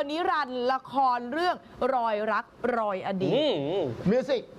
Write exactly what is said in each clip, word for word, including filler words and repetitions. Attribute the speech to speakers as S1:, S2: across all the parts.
S1: นิรันดร์ละครเรื่องรอยรักรอยอดีต
S2: มิวสิก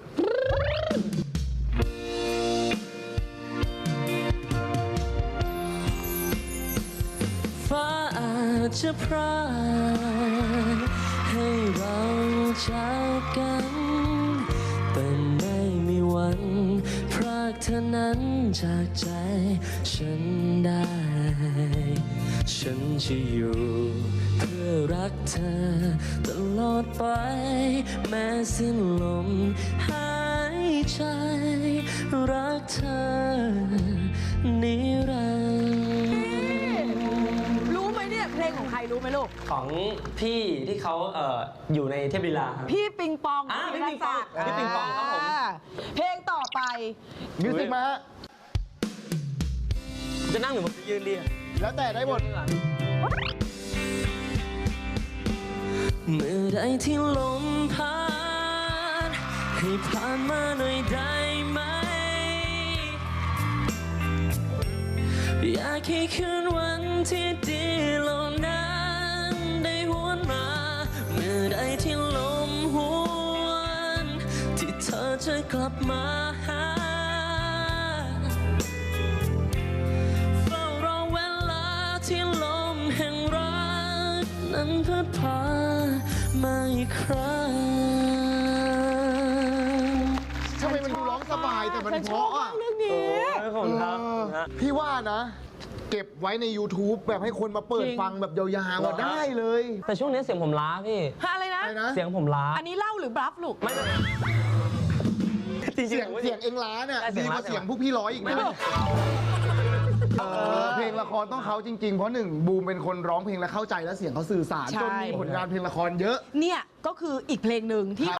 S3: ฟ้าอาจจะพรากให้เราจากกันแต่ไม่มีวันพรากเธอนั้นจากใจฉันได้ฉันจะอยู่เพื่อรักเธอตลอดไปแม้สิ้นลมหายใจรักเธอนิรันดร์
S1: รู้ไหมเนี่ยเพลงของใครรู้ไหมลูก
S3: ของพี่ที่เขาเอ่ออยู่ในเทพลีลาครับ
S1: พี่ปิงปอง
S3: อ่าพี่ปิงปองพี่ปิงปองครับผม
S1: เพลงต่อไป
S2: มิวสิกมาฮะ
S3: จะนั่งหรือว่ายืนเรียง
S2: แล้วแต่ได้หมด
S3: เมื่อใดที่ลมพัดให้ผ่านมาหน่อยได้ไหมอยากให้คืนวันที่ดีเหล่านั้นได้หวนมาเมื่อใดที่ลมหวนที่เธอจะกลับมาหาเฝ้ารอเวลาที่ลมแห่งรักนั้นพัดพามาอีกครั้ง
S2: ทำไมมันดูร้องสบายแต่มันเพราะอ่ะ
S1: เรื่องนี้
S3: ผมครับ
S2: พี่ว่านะเก็บไว้ใน YouTube แบบให้คนมาเปิดฟังแบบยาวๆได้เลย
S3: แต่ช่วงนี้เสียงผมล้าพี่
S1: อะไรนะ
S3: เสียงผมล้า
S1: อันนี้เล่าหรือบลัฟลูก
S3: ไม่
S2: เสียงเสียงเองล้าเนี่ยดีกว่าเสียงพวกพี่ร้อยอีกนะเพลงละครต้องเขาจริงๆเพราะหนึ่งบูมเป็นคนร้องเพลงและเข้าใจและเสียงเขาสื่อสารจนมีผลงานเพลงละครเยอะ
S1: เนี่ยก็คืออีกเพลงหนึ่งที่